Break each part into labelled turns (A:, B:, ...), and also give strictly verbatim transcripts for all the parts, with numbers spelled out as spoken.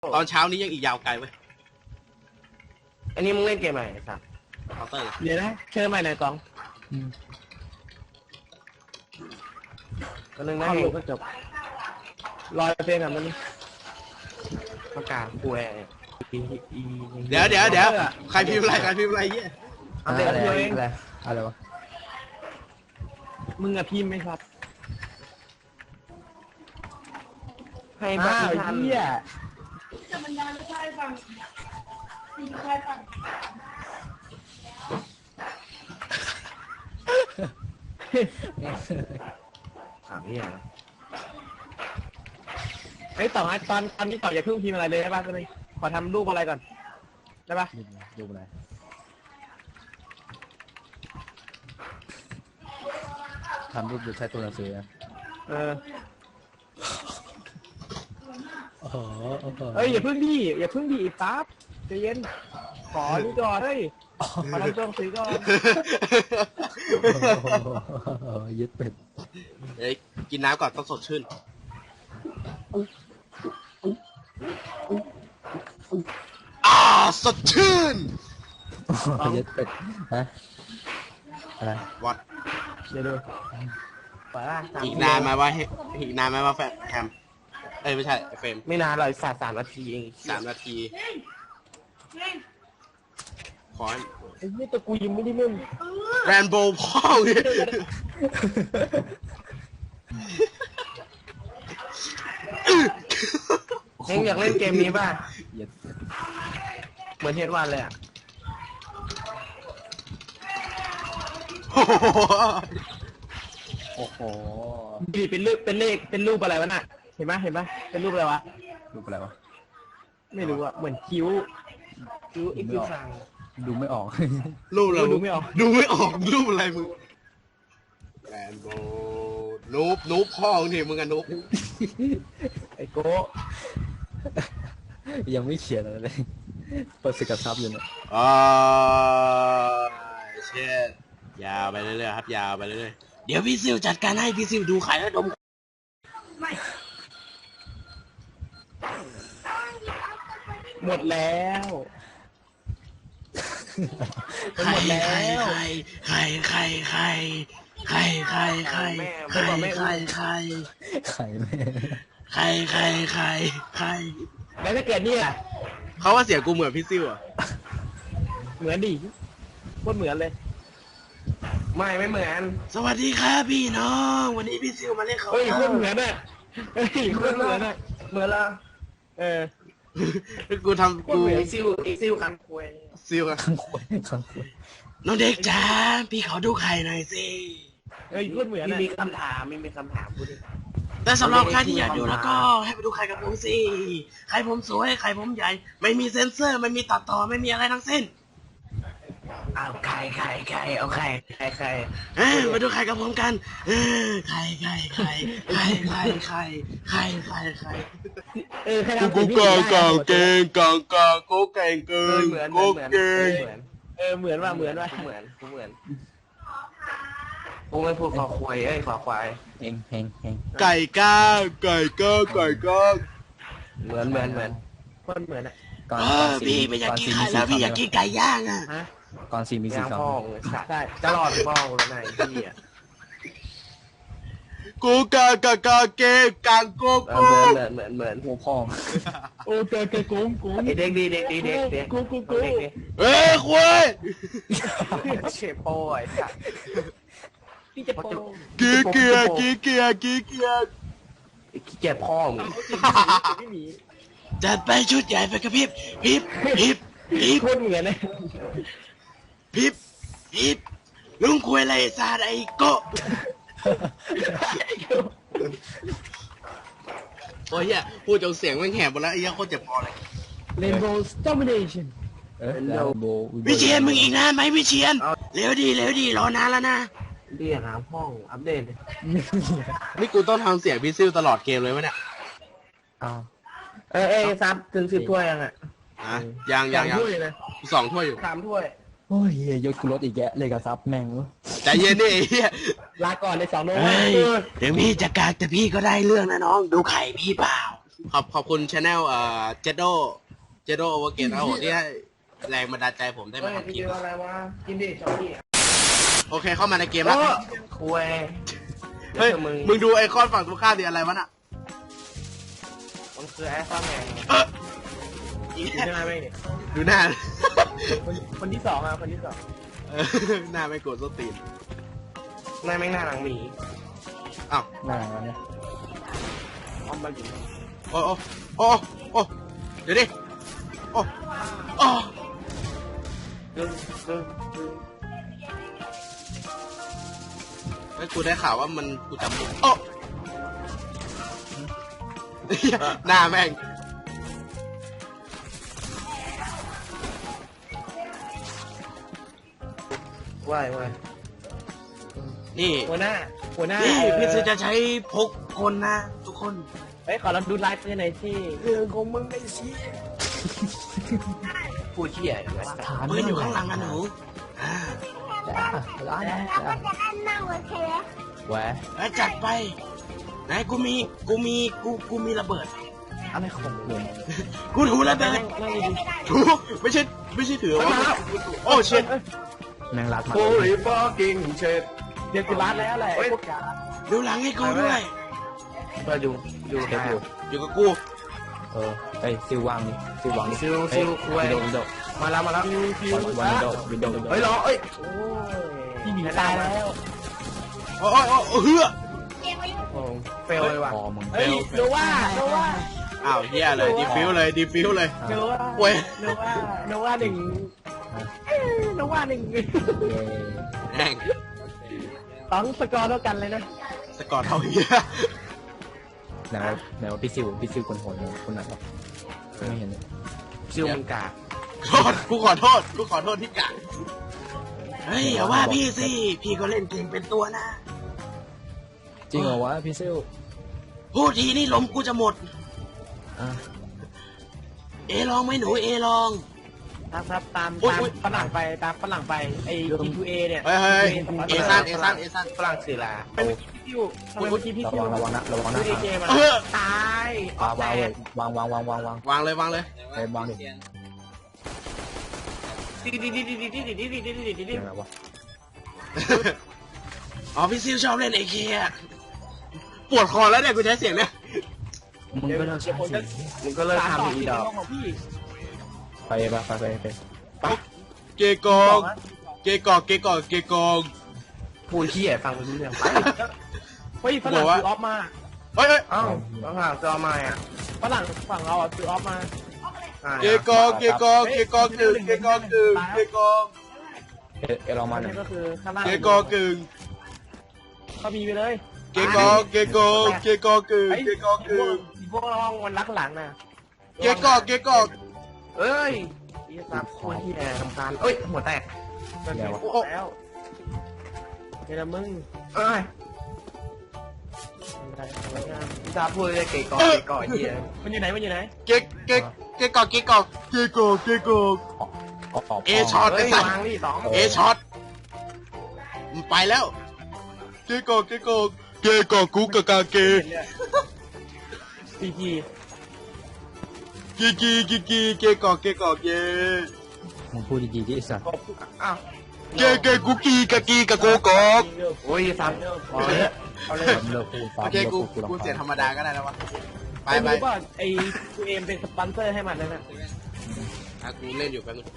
A: ตอนเช้านี้ยังอีกยาวไกลเว้ย
B: อันนี้มึงเล่นเกมอะไรครับ
A: เคาน์เตอร์
B: เดี๋ยวนะเชิญใหม่หน่อยกองก็นึงนะอยู่ก็จบรอยเพลงกับมันประกาศป่วย
A: เดี๋ยวเดี๋ยวเดี๋ยวใครพิมพ์อะไรใครพิมพ์อะไรเงี้ย
B: เอาเดี๋ยวเอง
C: อะไรอะไรวะ
B: มึงอะพิมพ์ไหมครับให้บ้าเหี้ย
D: จะบรรยายไม่ใช่ฟังไม่ใช่ฟัง
B: ถามเหี้ยไอ้ต่อให้ตอนตอนนี้ต่ออย่าเพิ่งพิมพ์อะไรเลยได้ป่ะก็เลยขอทำรูปอะไรก่อนได้ป่ะ
C: ดูอะไรทำรูปดูใช้ตัวหนังสือ
B: เออ
C: โอ้โห
B: เอ้ยอย่าเพิ่งดิอย่าเพิ่งดิปั๊บใจเย็นขอนี่ก่อนเฮ้ยขอทำตัวหนังสือก่อน
C: ยึดเป็ด
A: เฮ้ยกินน้ำก่อนต้องสดชื่นอ่าสดชื่น
C: ยึดเป็ดฮะอะไร
A: วัด
B: เดี๋ยวดูไปละ
A: อีกนานไหมว่าอีกนานไหมว่าแฟแฮมเอ้ยไม่ใช่เฟรม
B: ไม่นานเลยสามสามนาทีเอง
A: สามนาที
D: เฮ้ยเฮ้ย
A: ขอ
B: ไอ้นี่ตัวกูยังไม่ได้เล่น
A: แรนโบว์พ่อเนี่ย
B: เฮ้ยอยากเล่นเกมนี้ป่ะ
C: ยึด
B: เหมือนเทสวันเลยอ่ะ
A: โอ้โห
C: โอ้โห
B: ดีเป็นรูปเป็นเลขเป็นรูปอะไรวะน่ะเห็นไหมเห็นไหมเป็นรูปอะไรวะ
C: รูปอะไรวะ
B: ไม่รู้อ่ะเหมือนคิ้วคิ้วอีกคิ้วสั่ง
C: ดูไม่ออก
A: รูปเรา
B: ดูไม่ออก
A: ดูไม่ออกรูปอะไรมึงแรนโบว์นูบนูบพ่อมึงทีมึงอะนูบ
B: ไอ้โก้
C: ยังไม่เขียนอะไรเลยเปิดสกัดซับอยู่เนี่ย
A: อ่าเช่นยาวไปเรื่อยๆครับยาวไปเรื่อยๆเดี๋ยวพี่ซิวจัดการให้พี่ซิวดูไข่แล้วดม
D: ไม่
B: หมดแล้วมัน
A: ไข่
B: หมดแล้
A: ไข่
B: ว
A: ไข่ไข่ไข่ไข่ไข่ไข่ไข่ไข่ไข่
C: ไข่แม่
A: ไข่ไข่ไข่ไข่
B: แล้วถ้าเกิดเนี่ย
A: เขาว่าเสียงกูเหมือนพี่ซิวอ่ะ
B: เหมือนดิโคตรเหมือนเลย ไม่ไม่เหมือน
A: สวัสดีครับพี่น้องวันนี้พี่ซิวมาเล่นเขา
B: เฮ้ยโคตรเหมือนอ่ะเฮ้ยโคตรเหมือนอ่ะเหมือนละเออ
A: กูทำ
B: โคตร
A: กู
B: เหมือนไอ้ซิวไอ้ซิวคันควย
A: ซิวอะ
C: ข้างขวดข้างขวด
A: น้องเด็กจ๋าพี่ขอดูไข่หน่อยสิ
B: เฮ้ยโคตรเหมือนมีคำถามไม่มีคำถามพูดดิ
A: แต่สำหรับใครที่อยากดูแล้วก็ให้ไปดูไข่กับผมสิไข่ผมสวยไข่ผมใหญ่ ไม่มีเซ็นเซอร์ไม่มีตัดต่อไม่มีอะไรทั้งสิ้น
B: เอาไข่ไข่ไข่เอาไข่ไข่ไข่
A: เอ้ยมาดูไข่กับผมกันเออไข่ไข่ไข่ไข่ไข่ไข่ไข่ไข่ไข่
B: เออใคร
A: กู
B: ทำ
A: กูกางกางเก่งกางกางกูเก่งเกิ
B: เออน เหมือนเห
A: กู
B: มือน
A: เก่ง
B: เหมือนเออเหมือนว่าเหมือนว่าเหมือนกูเหมือนกูไม่พูดขอควายเอ้ยขอควาย
C: เฮงเฮงเฮง
A: ไก่ก้างไก่ก้างไก่ก้าง
B: เหมือนเหมือนเหมือนคนเหมือนอ่ะ
C: ก่อน
A: เอ
C: ก่อ
A: อน
C: สี
A: พี่ไม่อยากกิน
C: ก่
A: ไข่
C: สี
A: แล้วพี่
C: มี
A: อยาก
C: สี
A: กินไก่ย่างอ่ะ
B: ฮะ
C: ก่อนสีมีสี
B: ยาง
C: คำ
B: พ่องใช่จะรอดพ่องแล้วนายพี่อ่ะ
A: กูกางกางกางเก่งกางกู
B: เอ
A: กู
B: อเหมือนเหมือนเหมือนเหมือน
C: โอ้พ่อ
B: โอ้เจอเจอกุ้งกุ้งเด็กดีเด็กดีเด็กเด็กกุ้งกุ้งกุ้งเด็กดี
A: เอ้ยคุย
B: เชฟโป้ไอ้สัสพี่จะโป้
A: กีเกียร์กีเกียร์กีเกียร์
B: ขี้เกียจพ่อมึงไม่มี
A: จัดไปชุดใหญ่ไปกระพริบพริบพริบพริบ
B: โคตรเหมือนเลย
A: พริบพริบลุงคุยอะไรซาไอโกะโอ้ยเฮียพูดจนเสียงแม่งแหบหมดแล้วไอ้เหี้ยโคตรเจ็บคอเลย
B: Rainbow Domination
C: เอ๊ะแล้วโบ
A: วิเชียนมึงอีกนานไหมวิเชียนเร็วดีเร็วดีรอนานแล้วนะ
B: เรียกหาห้องอัปเดต
A: นี่กูต้องทำเสียงพี่ซิลตลอดเกมเลยวะเนี่ย
C: อ้าว
B: เอ้ยเอ้ยซับถึงสิบถ้วยยังอ่ะ
A: อ่ะยังยังยัง
B: ถ้วยนะ
A: สองถ้วยอยู่
B: สามถ้วย
C: โอ้ยเหี้ยยศกูลดอีกแยะเลยกับซับแม่งวะ
A: ใจเย็นดิไอ้เหี้ย
B: ลาก่อนในสองโน้ต
A: เฮ้ยเดี๋ยวพี่จะกากแต่พี่ก็ได้เรื่องนะน้องดูไข่พี่เปล่าขอบขอบคุณชาแนลเอ่อเจโดเจโดโอเวอร์เกตครับผมที่ให้แรงบันดาลใจผมได้
B: เฮ้
A: มาย ทำค
B: พี่
A: ลิป
B: เจออะไรวะกินดิช็อกกี้
A: โอเคเข้ามาในเกม
B: โอ้
A: แล้ว
B: คุย
A: เฮ้ย
B: มึง
A: มึงดูไอคอนฝั่งตรงข้ามดิอะไรวะน่ะ
B: มันคือแอสซัมแมน
A: เออ
B: ใช่ไหมไม่เนี่ย
A: ดูหน้า
B: คนคนที่สองอ่ะคนที่สอง
A: เออหน้าไม่โกรธส้นตีน
B: นายแม่งหน้าหลังหมี
A: อ้าว
C: หน้าเนี่ย
B: ออมมาอยู่
A: โอ้โอ้โอ้โอ้เดี๋ยวดิโอ้โอ้
B: ดึงดึงดึง
A: เฮ้ยกูได้ข่าวว่ามันกูจำผิดโอ้หน้าแม่ง
B: ว่ายว่าย
A: นี่
B: หัวหน้าหัวหน้า
A: นี่
B: เอ่อ
A: พี่ซื้อจะใช้พกคนนะทุกคน
B: เฮ้ยขอเราดูไลฟ์หน่อยที่เรื่องของมึงไอ้เชี่ยพูดเชี่ยอะไร
C: ฐาน
A: ปืนอยู่ข้างหลังอะหนูอ่า
C: จ้าร้านนะจ้า
D: จะอันนั่งโอเค
C: แหวะ
A: แล้วจัดไปไหนกูมีกูมีกูกูมีระเบิด
C: อะไรของมึง
A: กูถูระเบิด
B: นั่งดี
A: ถูไม่ใช่ไม่ใช่ถือว่าโอ้เชิด
C: แมงลัดมา
B: โอ้ยฟอกิ้งเชดเดี๋ยวกูรัดแล้วแหละพวกยา
A: ดูหลังให้กูด้วย
B: มาดูดู
C: เช็คอยู่
A: อยู่กับกู
C: เออไอ้ซิลวางนี่ซิลวางนี่
B: ซิลซิลคุย
C: วินโดว์วินโดว์
B: มาแล้วมาแล้วซิล
C: วินโดว์วินโดว์วินโดว์
B: เฮ้ยรอเอ้ยโอ้ยพี่หมีตายแล้ว
A: โอ้ยโอ้ยโอ้ยเฮือ
D: เกมไม่
B: โอ้เฟลเลยว่ะ
C: พอมึง
B: เฮ้ยโนว่าโนว่า
A: อ้าวเฮียเลยดีฟิวเลยดีฟิวเลย
B: โนว่า
A: เว้ย
B: โนว่าโนว่าหนึ่งโนว่าหนึ่ง
C: เย้
A: แม่ง
B: ต้องสกอร์เท่ากันเลยนะ
A: สกอร์เท่าเฮีย
C: ไหนว่าไหนว่าพี่ซิลพี่ซิลคนโหดคนไหนครับไม่เห็นเลย
B: ซิลมันกาก
A: โทษกูขอโทษกูขอโทษที่กะเฮ้ยอย่าว่าพี่สิพี่ก็เล่นเก่งเป็นตัวนะ
C: จริงเหรอวะพี่ซิล
A: พูดทีนี่ลมกูจะหมด
C: อ่ะ
A: เอลองไหมหนูเอลอง
B: ครับครับตาม
A: อุ๊ย
B: ตาม
A: อุ๊ย
B: ฝรั่งไปตามฝรั่งไปไอ้ G ทู เอ เนี่ย
A: เฮ้ยเฮ้ยเอซันเอซันเอซัน
B: ฝรั่งสื่อลาเป็นพี่อยู่ทำไมเมื่อกี้พี่
C: ระ
B: ซิ
C: วั
B: ว
C: งระวังนะระวังนะ
B: ดูเอเกมอะ
A: เออ
B: ตายว
C: างวางเลยวางวางวางวางวาง
A: วางเลยวางเลย
C: ไปวางดิ
B: ดิดิดิดิดิดิดิดิดิดิดิดิดิ
C: ยังไงวะ
A: อ๋อพี่ซิลชอบเล่นเอเคอะปวดคอแล้วเนี่ยกูใช้เสียงเนี่ย
C: มึงก็เลิกใช้สิ
B: มึงก็เลิกตามต่อ
C: ทำอี
B: ที่
C: ดอก
B: ของพี่
C: ไปไปไปไปไป
A: เกกองเกกองเกกองเกกอง
B: พูดขี้แอบฟังไปรู้เรื่องไปเฮ้ยฝรั่ง
A: บอกว่า
B: ซื้อออฟมา
A: เฮ้ยเฮ้ย
B: เอ้าฝรั่งซื้อออฟมาอ่ะฝรั่งฝั่งเราอ่ะซื้อออฟมา
A: เกกองเกกองเกกองกึ่งเกกองกึ่งเกกอง
C: เอเอลองมาหน่
B: นี่
C: อย
B: ก็คือข้างล่าง
A: เกกองกึ่ง
B: เขามีไปเลย
A: เกกองเกกองเกกองกึ่งเกกองกึ่ง
B: พวกเรามันรักหลังนะ
A: เกกองเกกอง
B: เอ้ยอีซับคนที่แอบทำการเอ้ยหัวแตกแล้วเดี๋ยวมึงเอ้ยอีซับพูดเลยเก๋ก่อเก๋ก่อเฮียมันอยู่ไหนมันอยู่ไหน
A: เกเกเกกองเกกองเกกองเกกอง
C: ออกออก
A: เอช็อต
B: เฮ้ยวางนี่สอง
A: เอช็อตมันไปแล้วเกกองเกกองเกกองกูกะกาเก
B: พีจี
A: กีกีกีกีเกกอกเกกอกเย่
C: มึงพูดดีๆที่สัตว์
B: อ้าว
A: เกเกกุกีกะกีกะโกกอก
B: โอ้ยซับเอาเลยเอาเลย
C: เลิกพูดฟ้า
A: โอเค
C: เลิก
A: กู
C: พูดกู
A: กู
C: รำ
A: เสียธร
C: คาญ
A: รมดาก็ได้แล้ววะไป
B: ไอ้
A: ไป
B: รู้ป่ะไอ้กูเอ็มเป็นสปอนเซอร์ให้มันนั่นน่ะ
A: อ่ะกูเล่นอยู่แป๊บนึง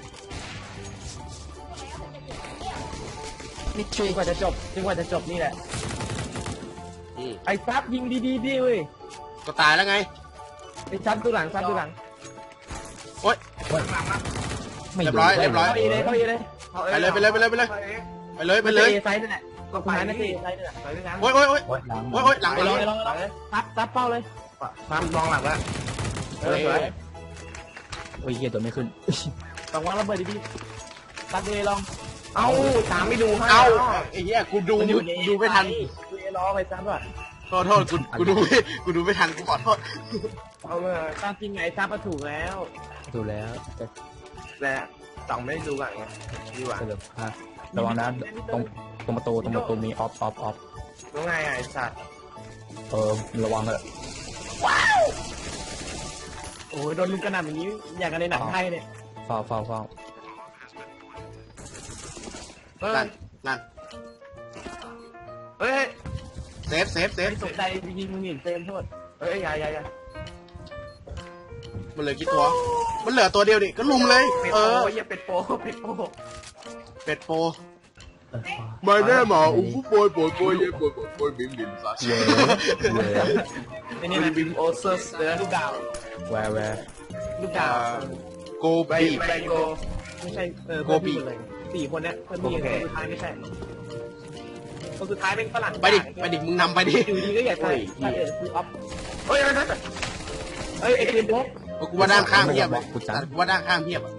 C: มิท
B: จ
C: รี
B: นกว่าจะจบจนกว่าจะจบนี่แหละ
A: อืม
B: ไอ้ซับยิงดีๆดิเว้ย
A: ก็ตายแล้วไง
B: ไอ้ซับดูหลังซับดูหลัง
A: โอ๊ย
C: ไม่
A: เรียบร้อยเรียบร้อย
B: เข้าเอเลยเข้าเอเลย
A: ไปเลยไปเลยไปเลยไปเลยไปเลยไปเลย
B: เอไซส์นั่นแหละก็ไปนะเอไซส์นั่นแหละไปด้วยกัน
A: โอ๊ยโอ๊ยโอ๊ย
C: โอ๊ยหลัง
A: โอ๊ยโอ๊ยหลัง
B: ไป
A: ห
B: ล
A: ลั
B: อง
A: ง
B: ไปลองไปลองซับซับเป้าเลยซับลองหลังแล้วเออสวย
C: โอ้ยเฮียตัวไม่ขึ้น
B: ต้องวางระเบิดดีๆซับเลยลองเอ้าตามไม่ดูให้
A: เอ้าไอ้เหี้ยกูดูดูไม่ทัน
B: ดูเอลองไปซับอ่ะ
A: โทษโทษกูกูดูไม่กูดูไม่ทันกูขอโทษ
B: เอามาตามจริงไงซับมาถูกแล้ว
C: ดูแล้วแต่
B: แต่สองไม่ได้ดูก่อนไงดีกว่า
C: เสลอพลาดระวังนะตรงตรงประตูตรงประตูมีออฟออฟออฟ
B: รู้ไงไอ้สัตว์
C: เออระวังเลย
B: โอ้ยโดนลุมกระหน่ำอย่างนี้อย่างกันในหนังไทยเนี่ย
C: เฝ้าเฝ้าเฝ้า
B: เฮ้ย
A: นั่นนั่น
B: เฮ้ย
A: เซฟเซฟเซฟ
B: ตกใจยิงมึงหนีเต็มโทษเฮ้ยอย่าอย่าอย่า
A: มันเหลือกี่ตัว มันเหลือตัวเดียวดิก็ลุมเลย
B: เป็ด
A: เอ
B: โป
A: อ
B: อย่าเป็ดโปเป็ดโป
A: เป็ดโป
C: เออ
A: ไม่แน่หมาอุ้มโปยโปยโปยเย่โปยโปยโปยบิมบิมซา
C: เย้เย้
B: ไอ้นี่นะบิมโอเซอร์สเดอลูกดาว
C: แวร์แวร์
B: ลูกดาว
A: โก
B: ไบ
A: บี
B: ไบโกไม่ใช่เออ
A: โกบี
B: เพื่อนพี่หมดเลยสี่คนเนี้ยเพื่อนพี่คนสุดท้ายไม่ใช่คนสุดท้ายเป็นฝรั่ง
A: ไปดิไปดิมึงนำไปดิ
B: อยู่ดีก็อยากใส่ใส่คือออฟเฮ้ยนั่นเฮ้ยไอ้คืนพก
A: กูว่าด้านข้างเพียบอะกูว่าด้านข้างเพียบอะ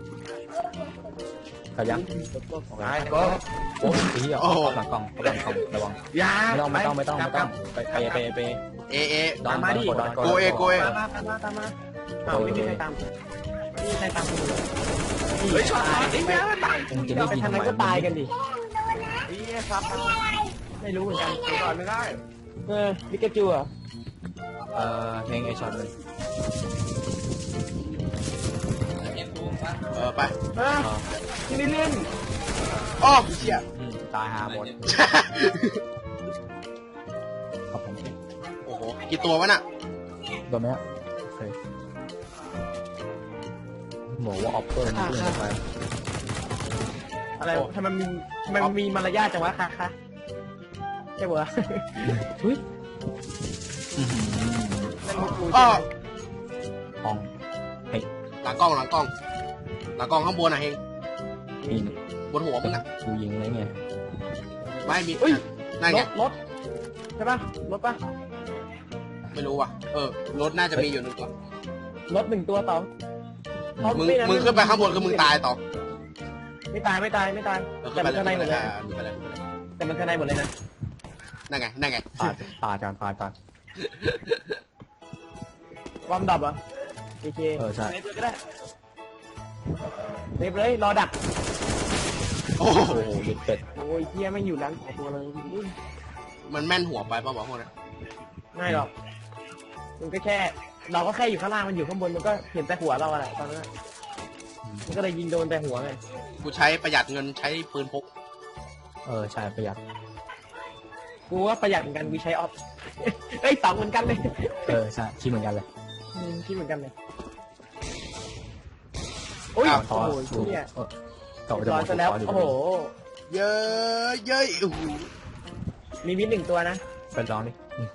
C: ขยับ
B: ไอ้ก็
C: โอ้ยไอ้เหี้ยหลังกล้องหลังกล้องระวัง
B: ยา
C: ไม่ต้องไม่ต้องไม่ต้องไม่ต้องไปไปไปไป
A: เอเอ
C: ดอนดอนดอน
A: โกเอโกเอ
B: ตามมาตามมาตามมาอ้าวไม่มีใครตามไม่มีใครตามกูเลยเฮ้ยช็อตไอ้เหี้ยตาย
C: มึงจะรีบ
B: ไป
C: ยิง
B: ทาง
C: ทำ
B: ไหน
C: ไม
B: ก็ตายกันดิไอ้เหี้ยครับไม่รู้เหมือนกันก่อนไม่ได้เออพิกาจูอ่ะ
C: เอ่อเพลงไอช็อตเลย
A: เออไป
B: เออที่นี่เล่น
A: อ้อเชี่ย
C: อืมตายหาหมดขอบผม
A: โอ้โหกี่ตัววะน่ะ
C: โดนไหมฮะโอเคบอกว่าออฟเฟอร์นี่เพื่อนไป
B: อะไรทำไมมีทำไมมีมารยาทจังวะคะคะใช่ปะ
C: ทุย
B: เล่นมุกกู
A: อ้อ
C: ห้องเฮ้ย
A: หลังกล้องหลังกล้องหลังกล้องข้างบนน่ะเฮง
C: ยิง
A: บนหัวมึงอ่ะ
C: กูยิงอะไรเงี้ย
A: ไม่มี
B: เฮ้ย
A: นั่น
B: ร
A: ไง
B: ถรถใช่ปะรถปะ
A: ไม่รู้ว่ะเออรถน่าจะมีอยู่หนึ่งตัว
B: รถหนึ่งตัวต่อ
A: มึงมึงขึ้นไปข้างบนคือมึงตายต่อ
B: ไม่ตายไม่ตายไม่ตาย
A: เออ
B: แต่
A: ขึ้นไป
B: มัน
A: เลย
B: ข้างในหมดเลย
A: ขึ้นไปเลย
B: แต่มันข้างในหมดเลยนะ
A: นั่นไงนั่นไง
C: ตายตายกันตายกัน
B: วอร์มดับอ่ะโอเค
C: เออใช่
B: เซฟเลยก็ได้เซฟเลยรอดัก
A: โอ้โห
C: โอ้โหหยุดเป็ด
B: โอ้ยเฮียไม่อยู่ร้านของตัวเลย
A: มันแม่นหัวไปป่ะบอกพวกนั้น
B: ง่ายหรอกมันก็แค่ เราก็แค่อยู่ข้างล่างมันอยู่ข้างบนมันก็เห็นแต่หัวเราอะไรตอนนั้นอะมันก็เลยยิงโดนแต่หัวไง
A: กูใช้ประหยัดเงินใช้ปืนพก
C: เออใช่ประหยัด
B: กูว่าประหยัดเหมือนกันกูใช้ออฟ เอ้ยสองเหมือนกันเลย
C: เออใช่คิดเหมือนกันเลย
B: อืมคิดเหมือนกันเลยโอ้ย
C: ต่อ
B: โอ้โห
C: ถูก
B: เฮีย
C: เออต่อไปจะ
B: ร้
C: บ
B: อ
C: อย ก
B: ซะแล้ว
C: ถูก
B: โอ้โห
A: เยอะเย้ยโอ้โห
B: มีมิดหนึ่งตัวนะ
C: ไปลองดิอืม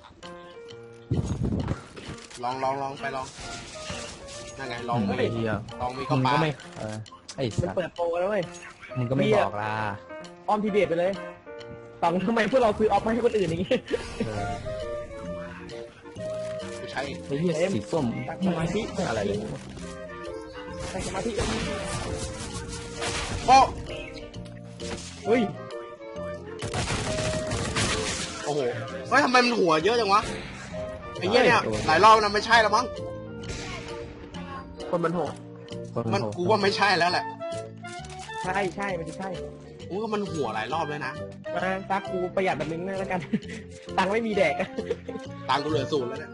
A: ลองลองลองไปลองนั่นไงลอง
C: ไอ้
A: มี
C: เหี้ย
A: ลองมี
C: มึ
A: ก็
C: ง
A: ปา
C: ก็ไม่เออไอ้
B: มัน
C: สัตว์
B: เปิดโปรแล้วเว้ย
C: มึงก็ไม่
B: เหี้ย
C: บอกล่ะ
B: ออมทีเบตไปเลยสองทำไมพวกเราซื้อออฟมาให้คนอื่นอย่างงี้
C: เออ
A: กูใช้
C: ไอ้เหี้ย
B: เอ็ม
C: สีส้ม
B: ตั้งสมาธิ
C: อะไรเลย
B: ใส่สมาธิ
A: โอ้
B: เฮ้ย
A: โอ้โหเฮ้ยทำไมมันหัวเยอะจังวะไอ้เหี้ยเนี่ยหลายรอบนะไม่ใช่แล้วมั้ง
B: คนมันโหด
C: คน
A: มัน
C: โห
A: กูว่าไม่ใช่แล้วแหละ
B: ใช่ใช่มันจะใช่
A: กูว่ามันหัวหลายรอบเลยนะ
B: มาซักกูประหยัดแบบนึงแล้วกัน ตังค์ไม่มีแดก
A: ตังค์กูเหลือศูนย์แล้วเนี่ย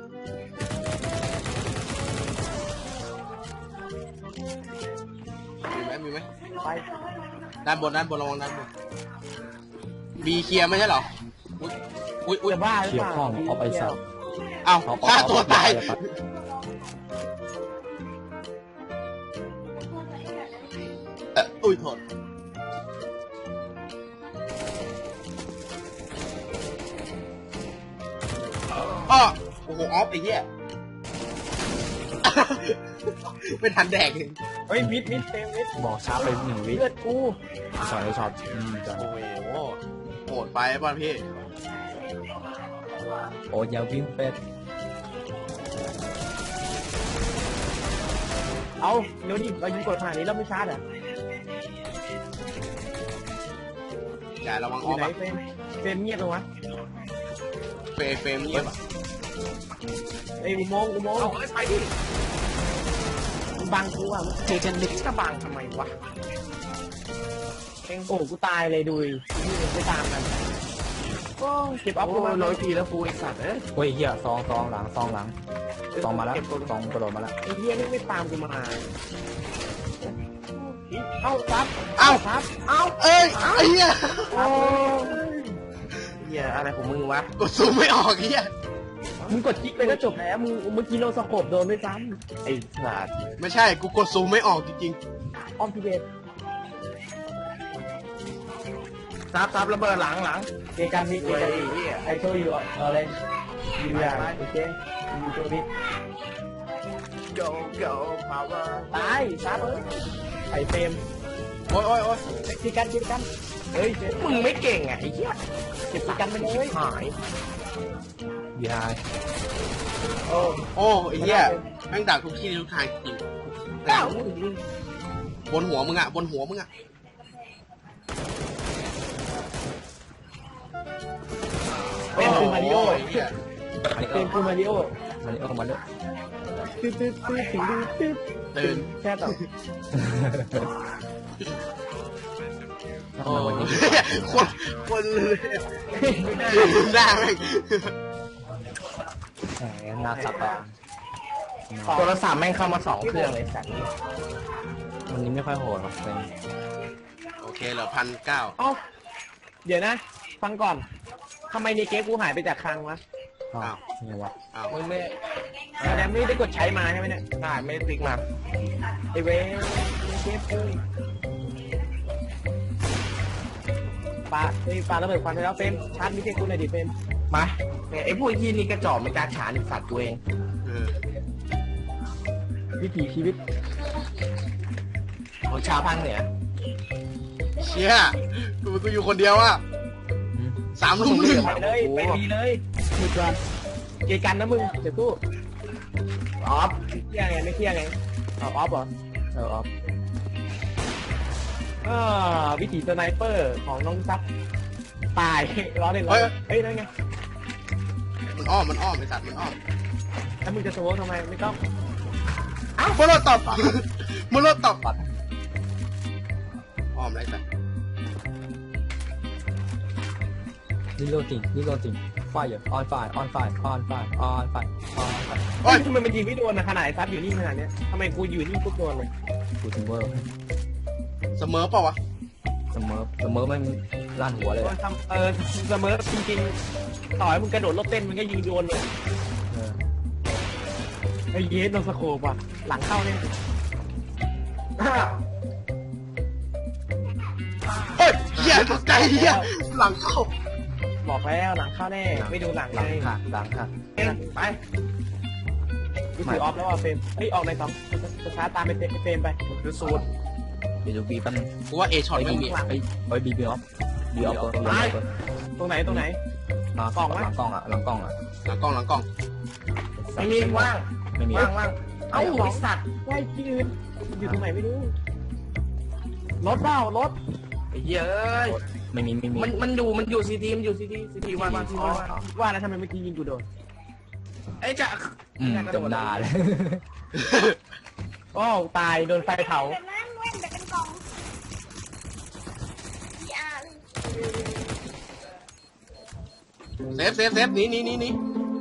A: มีไหมมีไหม
B: ไป
A: ด้านบนด้านบนระวังด้านบนบีเคลียร์ไม่ใช่เหรออุ้ยอุ้ยอุ้ย
B: จะบ้าหรือ
C: เกี่ย
B: เป
C: ว
B: ล่า
C: ข้องเอาไปสับ
A: เอ้า
C: เอาเอา
A: ฆ่าตัวตาย
C: เอา
A: เอ่ออุ้ยโทษอ้อโอ้โหออฟไอ้เหี้ย ไม่ทันแดกเลย
B: เฮ้ยมิดมิดเต็มมิด
C: บอกช้าไปหนึ่งวิ
B: เลือดกู
C: สอนไอ้ช็อตอืมจอน
A: โอ้โหโหดไปป่ะพี่
C: โอ้ยอยาวิ่งเป็ด
B: เอาเร็วดิเรายิงกดขนาดนี้เราไม่ชาร์จอ่ะ
A: อย่าระวัง
B: อ
A: ออยู่ ฟ
B: ไหน
A: อะ
B: เฟรมเฟรมเงียบเลยวะ
A: เฟรมเฟรมเงียบอะ
B: ไอ้ยอุโมงค์อุโมงค์เอาไปดิมึงบังกูอ่ะมึงเจกันลิกจะบังทำไมวะเองโอ้กูตายเลยดูดินี่ไม่ตามกันโอ้ก็เก็บออฟกูมาร้อยทีแล้วกูไอสัตว์เอ้ย
C: เฮ้ยเฮียซองซองหลังซองหลังซองมาแล้วซองกระโดดมาแล้ว
B: ไอ้เฮียนี่ไม่ตามกูมาเอ้าซับ
A: เอ้า
B: ซับ
A: เอ้าเอ้ยไอ้เหี้ย
B: โอ้เฮียอะไรของมึงวะ
A: กดซูมไม่ออกเหี้ย
B: มึงกดคลิกไปก็จบแล้วมึงเมื่อกี้โนสโคปโดนด้วยซ้ำไอ้สัตว์
A: ไม่ใช่กูกดซูมไม่ออกจริง
B: ออมพิเบตซับซับระเบิดหลังหลังเกกันพี่เกกันพี่ไอโชว์อยู่เออเลยยืนยันโอเคยูโชว์พี่
E: go go power
B: ตายซับเอ้ยไอเฟรม
A: ๆโอ้ยโอ้ยโอ้ย
B: เกกันเกกันเฮ้ยเฟรม
E: มึงไม่เก่งอ่ะไอ้เหี้ย
B: เก็บเกกันไปเลย
E: หาย
C: บีไอ
B: โอ้
A: โอ้ไอ้เหี้ยแม่งดักทุกที่ทุกทางจริง
E: เอ้า
A: บนหัวมึงอะบนหัวมึงอะ
B: เป็นคือมาริโอ
A: ไอ้เหี้ย
C: อันนี้
B: เป็นคือมาริโอ
C: มันนี่เออมาเลย
B: ตึ๊ดตึ๊ดตึ๊ดตึ๊ดตึ๊ด
A: ตื่น
B: แค่ต่อ
A: โอ้ยคนคนเลยหน้าแม่ง
C: แหมน่าสับอ่ะ
E: โทรศัพท์แม่งเข้ามาสองเครื่องเลยสัตว์
C: วันนี้ไม่ค่อยโหดหรอกเป็น
A: โอเคเหลือพันเก้า
B: เอ้าเดี๋ยวนะ ฟังก่อนทำไมในเกมกูหายไปจากคลังวะ
C: อ้าวไงวะ
A: อ้าว
E: มึงไม่
B: แสดงไม่ได้กดใช้มาใช่ไหมเนี่ย
E: ได้ไม่ได้ติ๊กมา
B: ไอเว้ยเกมกูปาเฮ้ยปาระเบิดควันไปแล้วเฟรมชาร์จมิเตอร์กูหน่อยดิเฟรม
E: มาเนี่ยไอ้พวกยี่นี่กระจอกไม่กล้าฉานสัตว์ตัวเอง
A: เออ
B: วิถีชีวิต
E: ของชาวภาคเหนือ
A: เชี่ยกูกูอยู่คนเดียวอะสามลุมหนึ่ง
B: ไปเลยไปดีเลยหยุดก่อนเกยกันนะมึงเดี๋ยวกู
E: ออฟ
B: เที่ยงไงไม่เที่ยงไงอ๋อออฟเหรอ
C: เออออฟ
B: อ่าวิถีสไนเปอร์ของน้องซับตายล้อเล่นล้อเล่นเฮ้ยนั่นไง
A: มันอ้อมมันอ้อมไอ้สัตว์มันอ้อม
B: แล้วมึงจะโชว์ทำไมไม่ต้อง
A: อ้าวโมโลตอบโมโลตอบอ้อมไรสัตว์
C: นี่โลติงนี่โลติงไฟออนไฟออนไฟออนไฟออนไฟออนไฟ
A: โอ้ย
B: ทำไมมันยิงไม่โดนนะขนาดไอ้ซับอยู่นี่ขนาดเนี้ยทำไมกูอยู่นี่ปุ๊บโดนเลย
C: กูถึงเวอร์
A: เสมอเปล่าวะ
C: เสมอเสมอมันลั่นหัวเลย
B: โดนทำเออเสมอจริงๆต่อให้มึงกระโดดรถเต้นมึงก็ยิงโดนเลย
C: เออ
B: ไอ้เยสโดนสโคปว่ะหลังเข้าเนี่ย
A: เฮ้ยเหี้ยตกใจเหี้ยหลังเข้า
B: บอกแล้วหลังเข้าแน่ไม่ดูหลัง
C: หลัง
B: ไง
C: หักหลังหัก
B: ไปกูถือออฟแล้วอ่ะเฟรมเฮ้ยออกในสองจะช้าตามไปเฟรมไป
E: คือสูตร
C: เดี๋ยวดูบีแป๊บนึง
A: กูว่าเอช็อต
C: ไอ้
A: ไม่
C: บี
A: มี
C: ไอ้ไอ้บีบีออฟบีออฟตัวตัวตัว
B: ตรงไหนตรงไหน
C: มาก
B: ล่องไหม
C: หลังกล้องอ่ะหลังกล้องอ่ะ
A: หลังกล้องหลังกล้อง
E: ไม่มีว่าง
C: ไม่มี
E: ว่างว่างเอ้าไอ้สัตว์
B: ไล่ที่อื่นอยู่ตรงไหนไม่รู้รถเปล่ารถ
E: ไอ้เหี้ยเอ้ย
C: ไม่มีไม่มี
E: มันมันอยู่มันอยู่ซีทีมันอยู่ซีทีซีทีว่างว่างซีทีว่าง
B: ว่าแล้วทำไมเมื่อกี้ยิงกูโดน
E: ไอ้จะ
C: อืมจำได้เลย
B: โอ้ตายโดนไฟเผา
D: แบบนั้นแว่นแบบเป็นกล่องยา
A: เซฟเซฟเซฟหนีหนีหนีหนี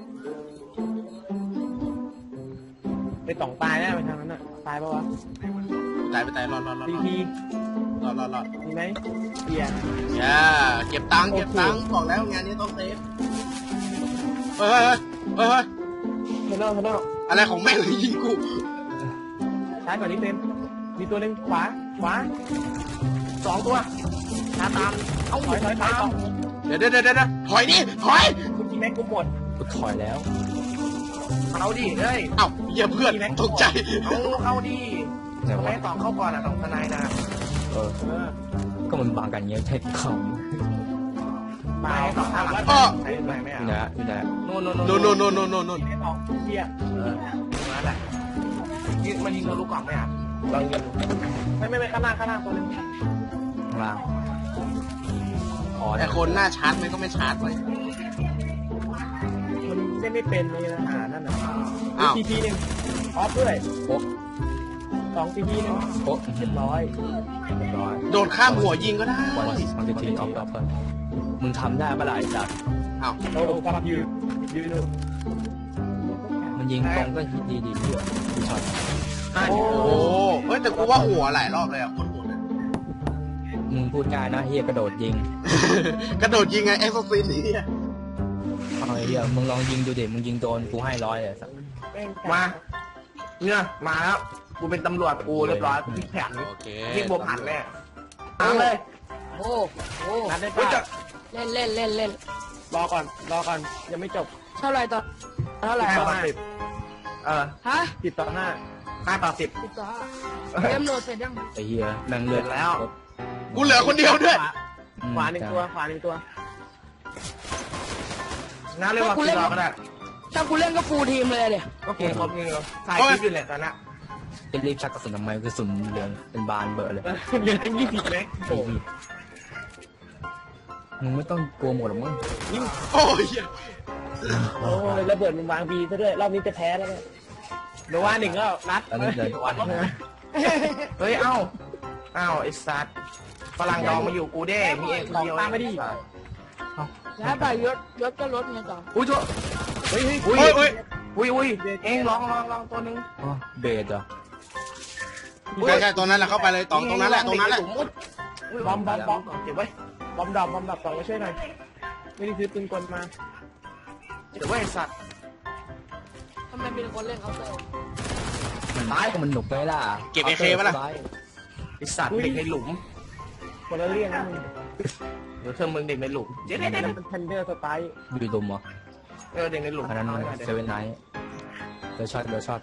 B: ไปต่องตายแน่ไปทางนั้นน่ะตายปะวะ
A: ตายไปตายรอดรอดรอด
B: ทีพี
A: รอดรอดรอด
B: มีไหมเบียร์
A: อย่าเก็บตังค์เก็บตังค์บอกแล้วงานนี้ต้องเซฟเฮ้ยเฮ้ยเฮ้ยเฮ้ย
B: เทนเนอร์เทนเนอร์
A: อะไรของแม่งเลยยิงกู
B: ช้ากว่านี้เต็มมีตัวหนึ่งขวาขวา
E: สองตัวชาตามเอ้า
B: ถอยถอยถอยต่อ
A: เดี๋ยวเดี๋ยวเดี๋ยวเดี๋ยวถอยดิถอย
B: เมื่อกี้แม็กกูหมด
C: กูถอยแล้ว
E: เอาดิเฮ้ย
A: เอ้าเหี้ยเพื่อนตกใจ
E: เอาเอาดิ
C: ไหน
E: ทำไม
C: วะ
E: ต่อเข้าก่อนอ่ะต้องทนายนะ
C: เออ
B: เออ
C: ก็มันบางกันเงี้ยใช่เขา
B: มา
E: ไม่ต่อข้างหลัง
A: อ้อ
E: ใช่ไหมไม่
C: อ
E: เอา
C: ยู่ไหนอะอยู่ไหนอะ
E: โน่นโน่น
A: โน่นโน่นโน่นโน่นโน่นโน่น
B: ไม่ต่อเบียร์
E: เออมาแหละยิงมันยิงทะลุกล่องไหมอ่ะลองยิง
B: ไม่ไม่ไม่ข้างหน้าข้างหน้าตัวหนึง
C: ข้างล่างอ๋อ
A: แต่คนหน้าชาร์จมันก็ไม่ชาร์จเลย
B: มันเล่นไม่เป็นเลยนะหานั่นน่ะ
A: อ้าว
B: ทีพีหนึ่งออฟด้วย
C: โอ๊ะ
B: สองทีพีหนึ่ง
C: โอ๊ะ
B: เรียบร้อย
C: เรียบร้อย
A: โดดข้ามหัวยิงก็ได้
C: วันวันจะทีออฟออฟเพิ่มมึงทำได้ปะล่ะไอ้สัตว์
A: อ้าว
B: โอ้ฟังยูยูนู
C: มันยิงตรงก็ฮิตดีดีเพื่อนกูช็อต
B: โอ้
A: โอ้เฮ้ยแต่กูว่าหัวหลายรอบเลยอ่ะโคตรโหดเลย
C: มึงพูดง่ายนะเฮียกระโดดยิง
A: กระโดดยิงไงเอ็กซ์ซินนี่
C: เอาไอ้เฮียมึงลองยิงดูดิมึงยิงโดนกูให้ร้อยเลยสัตว์
E: มาเนี่ยมาแล้วกูเป็นตำรวจกูเรียบร้อยพี่แผน
A: โอเค
E: พี่บวกผันแน่มาเลย
F: โอ้โห
B: นัดได้
E: เฮ้ย
B: ป่ะ
E: จะ
F: เล่นเล่นเล่นเล่น
B: รอก่อนรอก่อนยังไม่จบ
F: เท่าไหร่ต่อเท่าไหร่
E: ห้า
F: ต่อ
E: ต่อสิบเออ
F: ฮะ
B: สิบต่อห้า
E: ห้าต่อสิบ
F: สิบต่อห้าเกมโหลดเสร็จยัง
C: ไอ้เฮียแม่งเลือด
E: เสร็จแล้ว
A: กูเหลือคนเดียวด้วย
C: อืม
B: ขวาหนึ่งตัวขวาหนึ่งตัว
E: งั้นเรียกว่าคือเราก็ได้
F: ถ้ากูเล่นก็ฟูลทีมเลยเดี๋ย
E: ก็กูครบนี่เลยถ่ายคลิปอยู่เนี่ยตอนนี้
C: จะรีบชักกระสุนทำไมกระสุนเหลืองเป็นบานเบอร์เลย
B: เหลือตั้งยี่สิบเมตร
C: ไอ้เหี้ยมึงไม่ต้องกลัวหมดหรอกมึง
A: โอ้ยเหี้ย
B: โอ้ยระเบิดมันวางบีซะด้วยรอบนี้จะแพ้แล้วเนี่ยเดี๋ยวว่าหนึ่งแล้วนัด
C: ตอนนี้เดินวัน
E: เฮ้ยเอ้าเอ้าไอ้สัตว์ฝรั่งดองมาอยู่กูเด้มีเองคนเดียว
B: ตามไม่ดี
F: แล้วไปยศยศก็ลดไงต่อ
E: อุ้ยชั่ว
B: เฮ้ยเฮ้ย
E: อุ้ย
A: เฮ้ยเฮ้ย
E: อุ้ยอุ้ยเองลองลองลองตัวนึง
C: อ๋อเบสเหรอ
A: ใช่ใช่ตรงนั้นแหละเข้าไปเลยตรงตรงนั้นแหละตรงนั้นแหละ
B: บอมบอมบอม
E: เก็บไว้
B: บอมดอมบอมดับสองมาช่วยหน่อยไม่ได้ซื้อปืนกลมา
E: เก็บไว้ไอ้สัตว์
F: ทำไมมีคนเล่นเคาน์เตอร์
C: มันตายก็มันหนุกไปล่ะ
A: เก็บเอเคปะล่ะ
E: ไอ้สัตว์เด็กในหลุม
B: คนละเรื่องนะมึง
E: เดี๋ยวเธอมึงเด็กในหลุมเจ๊
B: นั่
E: เด็
B: น
E: ด
B: เป็นเทนเดอร์สไตล์
C: อยู่ดุมเหรอ
E: เออเด็กในหลุม
C: อันนั้นเซเว่นไนท์เดี๋ยวช็อตเดี๋ยวช็อต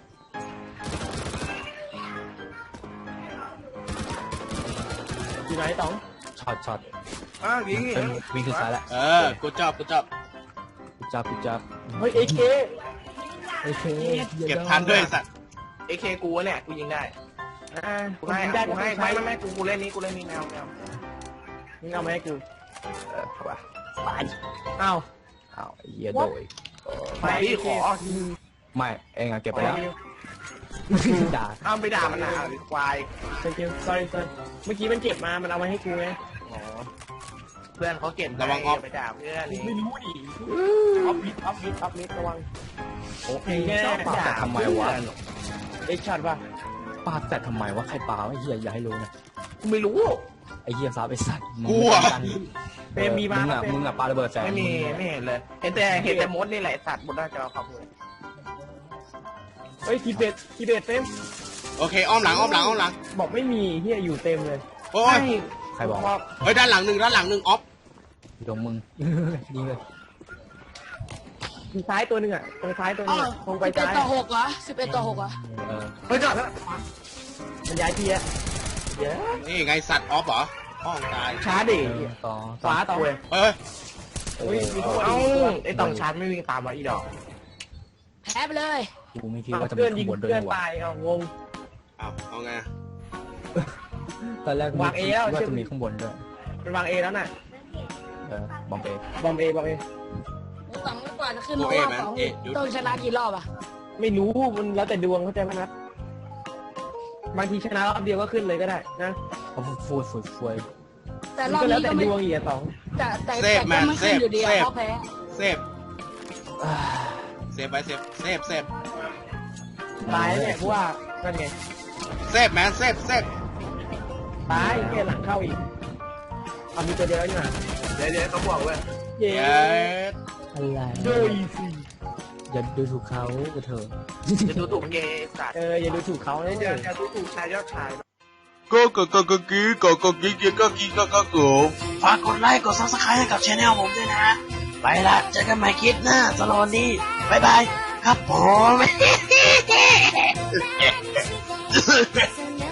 B: อยู่ไหนต๋อง
C: ช็อตช็อต
E: อ้าวยิง
C: เป็นวิ่งขึ้นซ้ายแล้ว
A: เออกูจอบกูจอบ
C: กูจับกูจับ
B: เฮ้ยเอเค
C: โอเค
A: เก็บทันด้วยไอ้สัตว์
E: เอเคกูเนี่ยกูยิงได้
B: อ่า
E: กูให้
B: ได้
E: กูให้
B: ใช้
E: ไม่ไม่ไม่กูกูเล่นนี้กูเล่นนี้แนวแนว
B: มึงเอามาให้กู
E: เออเข้าไป
B: อ้าว
C: อ้าวไอ้เหี้ยโดย
E: ไปพี่ขอ
C: ไม่เองอะเก็บไปแล้วด่า
E: เอาไปด่ามันนะควาย
B: thank you sorry sir เมื่อกี้มันเก็บมา มันเอามาให้กูไง
E: อ๋อเพื่อนเขาเก็บไปด่าเพื่อนนี่
B: ไม่รู้ดิออฟมิดออฟมิดออฟมิดระวัง
C: โอ้ย
B: แน่
C: ชอบปาแต่ทำไมวะ
B: เอ็กช็อตป่ะ
C: ปาแต่ทำไมวะใครปาไอ้เหี้ยอย่าให้รู้นะ
E: กูไม่รู้
C: ไอ้เหี้ยซับไอ้สัตว์มึง
A: กูอะ
C: กัน
B: เฟรมมีมา
C: มึงอะ
B: เฟรม
C: มึงอะปาระเบิดแสง
E: ไม่มีไม่เห็นเลย เห็นแต่เห็นแต่มดนี่แหละสัตว์บนหน้าจอครับเลย
B: เฮ้ยทีเบตทีเบตเต็ม
A: โอเคอ้อมหลังอ้อมหลังอ้อมหลัง
B: บอกไม่มีเฮียอยู่เต็มเลย
A: โอ้ย
C: ใครบอกว่า
A: เฮ้ยด้านหลังหนึ่งด้านหลังหนึ่งออฟ
C: อยู่ตรงมึง ยิงเลย
B: ทีซ้ายตัวหนึ่งอ่ะตรงซ้ายตัวหนึงอะตรงไป
F: สิบเอ็ด
B: ซ้าย
F: ต่อหกเหรอสิบเอ็ดต่อหกเหรอ
C: เออ
E: เฮ้ยจอดแล้ว
B: มันย้ายทีอะเดี๋ยว
A: นี่ไงสัตว์ออฟเหรอห้องตาย
E: ช้าดิ
C: ต่อ
B: ขวาต่อ
E: เว้ย
A: เฮ้ย
B: อุ้ยมีข้างบน
E: เอ้า
B: อีกตัว
E: ไอ้ต้องชาร์จไม่วิ่งตามมาอีดอก
F: แพ้ไปเลย
C: กูไม่คิดว่าจะมี
B: เพื่อน
C: ข้า
B: ยิง
C: งบนด้วย
B: เพื่อน
C: วะ
B: ตายเอางง
A: เอาเอาไงอะ
C: ตอนแรก
B: วางเอแล้ว
C: ว่า
B: เชื่อ
C: จะมีข้างบนด้วย
B: มันวางเอแล้วน่ะ
C: เออบอมเบบ
B: อมเอบอมเอ
F: สองกว่าจะขึ้นรอบสองต้องชนะกี่รอบอ่ะ
B: ไม่รู้มันแล้วแต่ดวงเข้าใจไหมนัดบางทีชนะรอบเดียวก็ขึ้นเลยก็ได้นะ
C: เขาฟูฟูฟู
F: แต่ร
B: มั
F: อน บ
B: ก็แล้ว
F: นี้
B: แต่
F: ก็ไม่
B: ดวงอีกอะสอง
F: แต่แต่แต่ก็ไม่ขึ้นอยู่ดีอะเพราะแพ้
A: เซฟเซฟไปเซฟเซฟเซฟ
B: ตายเนี่ยเพราะว่านั่นไง
A: เซฟแมนเซฟเซฟ
B: ตายแค่หลังเข้าอีกเอามีตัวเดียวนี่หว่า
E: เดี๋ยวเดี๋ยวเขาบอกเว้ย
B: เย้
A: เย้
C: อะไร
B: โดยสิ
C: อย่าดูถูกเขาก็เถอะ
E: จะดูถูกเกย์สัตว์
B: เอออย่าดูถูกเขาเลย
E: เดี๋
B: เดี๋
E: ย
B: ยว ว
E: จะดูถูกชายยอดชาย
A: ก็ก็ก็ก็กีก็ก็กีก็ก็กีก็ก็กูฝากกดไลค์กดซับสไครต์ให้กับช anel ผมด้วยนะ ไปละเจอกันใหม่คลิปหน้าสำหรับวันนี้บ๊ายบายครับผม
G: So now